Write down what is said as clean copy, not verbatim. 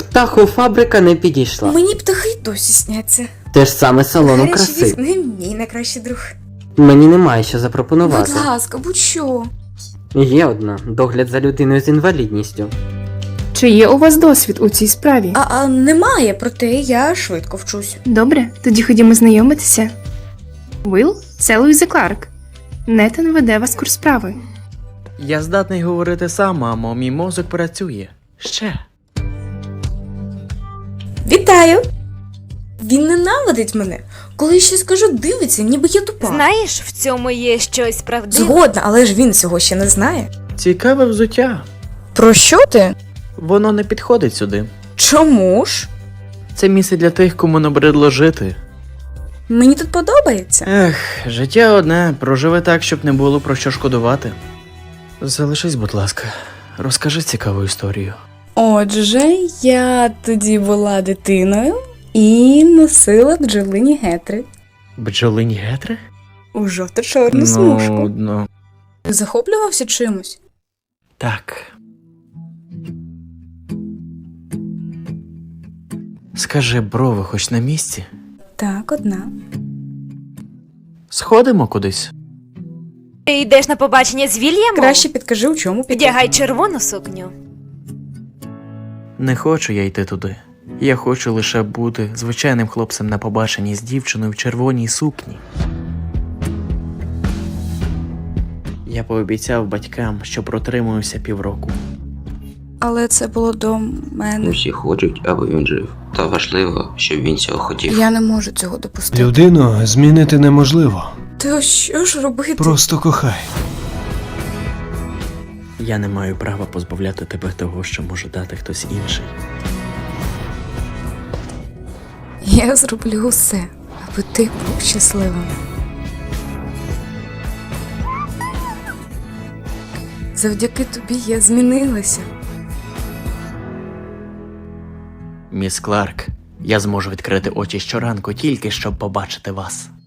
Птахофабрика не підійшла. Мені птахи досі сняться. Те ж саме салону Гарячі краси. візьми, мій найкращий друг. Мені немає що запропонувати. Будь ласка, будь-що. Є одна – догляд за людиною з інвалідністю. Чи є у вас досвід у цій справі? А немає, проте я швидко вчусь. Добре, тоді ходімо знайомитися. Уилл, це Луїза Кларк. Нетан веде вас курс справи. Я здатний говорити сам, мамо, мій мозок працює. Ще. Вітаю! Він ненавидить мене. Коли я щось скажу, дивиться, ніби я тупа. Знаєш, в цьому є щось правдиве. Згодна, але ж він цього ще не знає. Цікаве взуття. Про що ти? Воно не підходить сюди. Чому ж? Це місце для тих, кому набридло жити. Мені тут подобається. Ех, життя одне, проживи так, щоб не було про що шкодувати. Залишись, будь ласка, розкажи цікаву історію. Отже, я тоді була дитиною і носила бджолині гетри Бджолині гетри? у жовто-чорну смужку. Ну, Ти захоплювався чимось? так. Скажи, брови хоч на місці? Так, одна. Сходимо кудись? Ти йдеш на побачення з Вільямом? Краще підкажи, у чому піти. Вдягай червону сукню. Не хочу я йти туди. Я хочу лише бути звичайним хлопцем на побаченні з дівчиною в червоній сукні. Я пообіцяв батькам, що протримуюся півроку. Але це було до мене. Усі хочуть, аби він жив. Та важливо, щоб він цього хотів. Я не можу цього допустити. Людину змінити неможливо. То що ж робити? Просто кохай. Я не маю права позбавляти тебе того, що може дати хтось інший. Я зроблю усе, аби ти був щасливим. Завдяки тобі я змінилася. Міс Кларк, я зможу відкрити очі щоранку тільки щоб побачити вас.